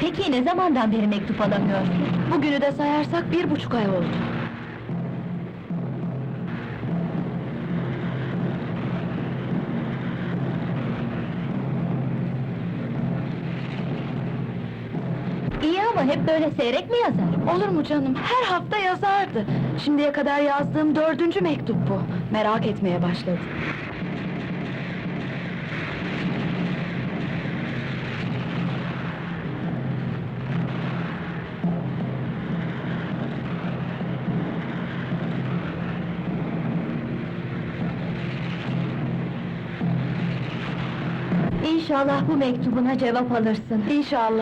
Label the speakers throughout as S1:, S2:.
S1: Peki ne zamandan beri mektup alamıyorsun?
S2: Bugünü de sayarsak 1,5 ay oldu.
S1: İyi ama hep böyle seyrek mi yazar?
S2: Olur mu canım, her hafta yazardı. Şimdiye kadar yazdığım 4. mektup bu. Merak etmeye başladı.
S1: İnşallah bu mektubuna cevap alırsın.
S2: İnşallah.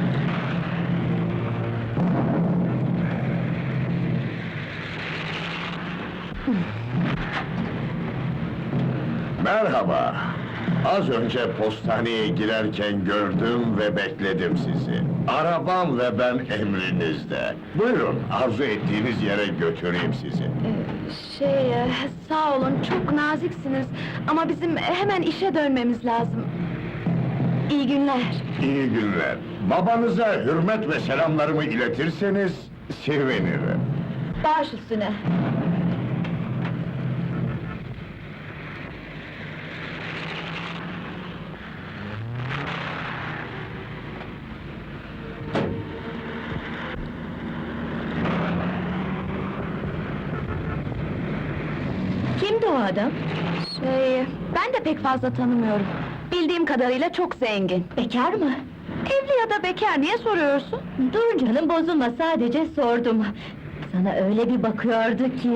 S3: Merhaba. Az önce postaneye girerken gördüm ve bekledim sizi. Arabam ve ben emrinizde. Buyurun, arzu ettiğiniz yere götüreyim sizi.
S2: Sağ olun, çok naziksiniz. Ama bizim hemen işe dönmemiz lazım. İyi günler.
S3: İyi günler. Babanıza hürmet ve selamlarımı iletirseniz sevinirim.
S1: Baş üstüne. Kimdi o adam?
S2: Ben de pek fazla tanımıyorum. Bildiğim kadarıyla çok zengin.
S1: Bekar mı?
S2: Evli ya da bekar, niye soruyorsun?
S1: Dur canım, bozulma, sadece sordum. Sana öyle bir bakıyordu ki...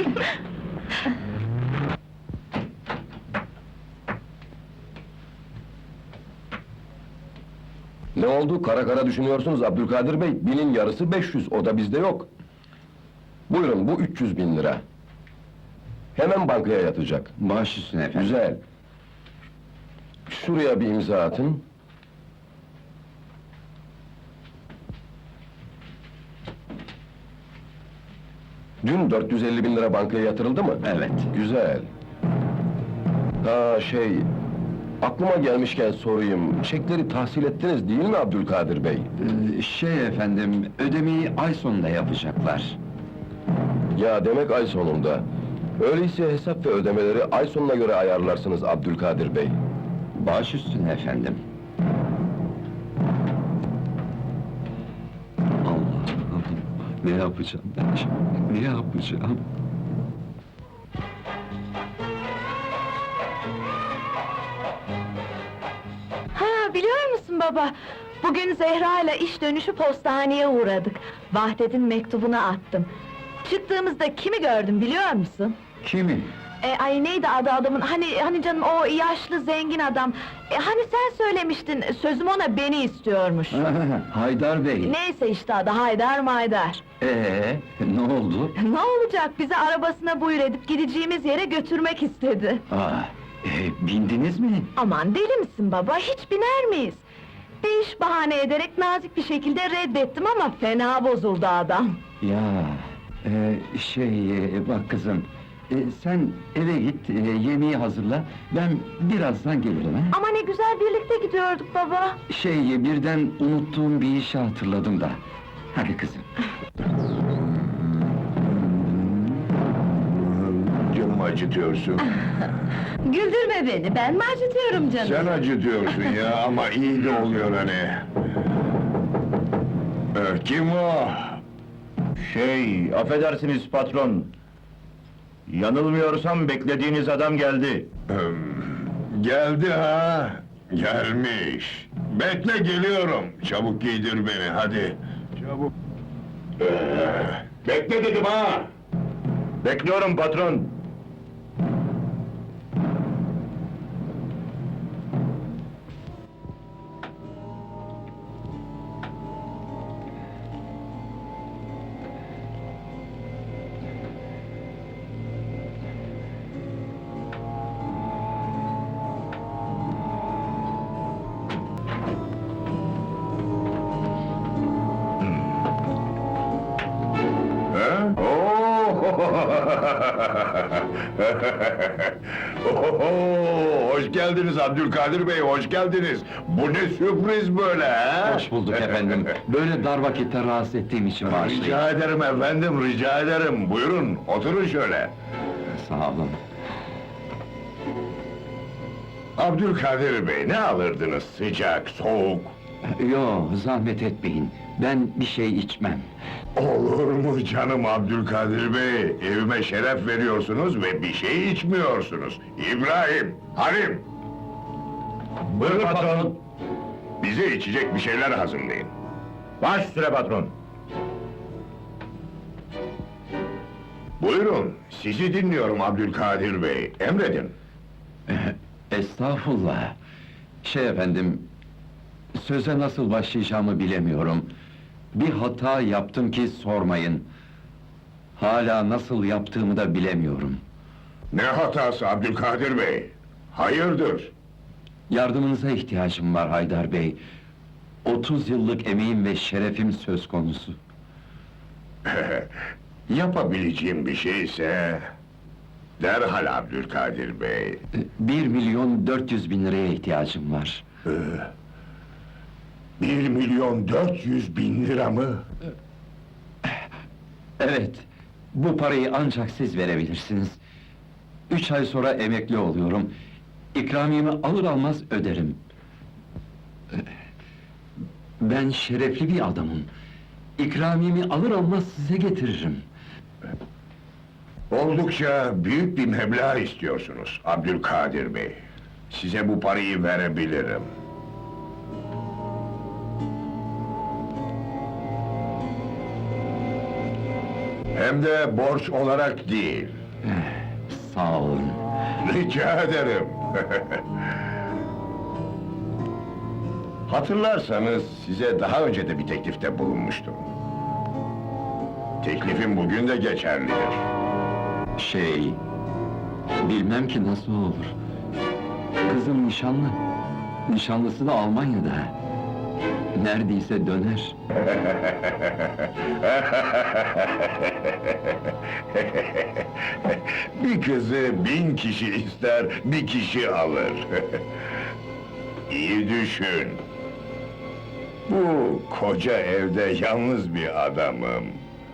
S4: Ne oldu? Kara kara düşünüyorsunuz Abdülkadir Bey. 1000'in yarısı 500, o da bizde yok. Buyurun, bu 300.000 lira. Hemen bankaya yatacak.
S5: Baş üstüne efendim.
S4: Güzel. Şuraya bir imza atın. Dün 450.000 lira bankaya yatırıldı mı?
S5: Evet.
S4: Güzel. Aklıma gelmişken sorayım, çekleri tahsil ettiniz değil mi Abdülkadir Bey?
S5: Efendim, ödemeyi ay sonunda yapacaklar.
S4: Ya demek ay sonunda. Öyleyse hesap ve ödemeleri ay sonuna göre ayarlarsınız Abdülkadir Bey.
S5: Baş üstüne efendim. Allah'ım, ne yapacağım ben şimdi, ne yapacağım?
S2: Ha, biliyor musun baba? Bugün Zehra ile iş dönüşü postaneye uğradık. Vahdet'in mektubunu attım. Çıktığımızda kimi gördüm biliyor musun?
S5: Kimi?
S2: Ay neydi adı adamın? Hani canım, o yaşlı zengin adam. Hani sen söylemiştin, sözüm ona beni istiyormuş.
S5: Haydar Bey.
S2: Neyse işte adı, Haydar Maydar.
S5: Ne oldu?
S2: Ne olacak, bizi arabasına buyur edip gideceğimiz yere götürmek istedi.
S5: Bindiniz mi?
S2: Aman deli misin baba, hiç biner miyiz? Bir iş bahane ederek nazik bir şekilde reddettim ama fena bozuldu adam.
S5: Ya, bak kızım, sen eve git, yemeği hazırla, ben birazdan gelirim ha?
S2: Ama ne güzel birlikte gidiyorduk baba.
S5: Birden unuttuğum bir işi hatırladım da. Hadi kızım.
S3: Canımı acıtıyorsun.
S1: Güldürme beni, ben mi acıtıyorum canım?
S3: Sen acıtıyorsun ya, ama iyi de oluyor hani. Kim o?
S6: Affedersiniz patron. Yanılmıyorsam beklediğiniz adam geldi.
S3: Geldi ha? Gelmiş. Bekle, geliyorum. Çabuk giydir beni, hadi. Çabuk. Bekle dedim ha!
S6: Bekliyorum patron.
S3: Ha? Oo, Oho, hoş geldiniz Abdülkadir Bey, hoş geldiniz. Bu ne sürpriz böyle ha?
S5: Hoş bulduk efendim. Böyle dar vakitte rahatsız ettiğim için bağışlayın.
S3: Rica ederim efendim, rica ederim. Buyurun, oturun şöyle.
S5: Sağ olun.
S3: Abdülkadir Bey, ne alırdınız? Sıcak, soğuk?
S5: Yo, zahmet etmeyin. Ben bir şey içmem.
S3: Olur mu canım Abdülkadir Bey? Evime şeref veriyorsunuz ve bir şey içmiyorsunuz. İbrahim, Halim!
S6: Buyurun patron.
S3: Bize içecek bir şeyler hazırlayın.
S6: Baş üstüne patron.
S3: Buyurun, sizi dinliyorum Abdülkadir Bey. Emredin.
S5: Estağfurullah. Efendim, söze nasıl başlayacağımı bilemiyorum. Bir hata yaptım ki sormayın. Hala nasıl yaptığımı da bilemiyorum.
S3: Ne hatası Abdülkadir Bey? Hayırdır?
S5: Yardımınıza ihtiyacım var Haydar Bey. 30 yıllık emeğim ve şerefim söz konusu.
S3: Yapabileceğim bir şeyse... Derhal Abdülkadir Bey.
S5: 1.400.000 liraya ihtiyacım var.
S3: 1.400.000 lira mı?
S5: Evet, bu parayı ancak siz verebilirsiniz. 3 ay sonra emekli oluyorum. İkramiyemi alır almaz öderim. Ben şerefli bir adamım. İkramiyemi alır almaz size getiririm.
S3: Oldukça büyük bir meblağ istiyorsunuz Abdülkadir Bey. Size bu parayı verebilirim. Hem de borç olarak değil.
S5: Sağ olun.
S3: Rica ederim. Hatırlarsanız size daha önce de bir teklifte bulunmuştum. Teklifim bugün de geçerlidir.
S5: Bilmem ki nasıl olur. Kızım nişanlı. Nişanlısı da Almanya'da. Neredeyse döner.
S3: Bir kızı 1000 kişi ister, bir kişi alır. İyi düşün. Bu koca evde yalnız bir adamım.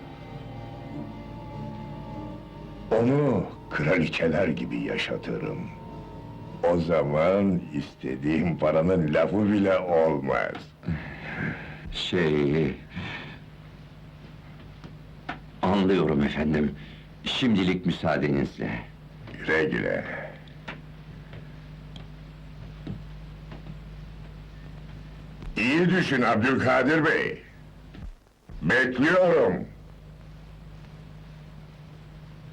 S3: Onu kraliçeler gibi yaşatırım. O zaman istediğim paranın lafı bile olmaz.
S5: Anlıyorum efendim. Şimdilik müsaadenizle.
S3: Güle güle. İyi düşün Abdülkadir Bey. Bekliyorum.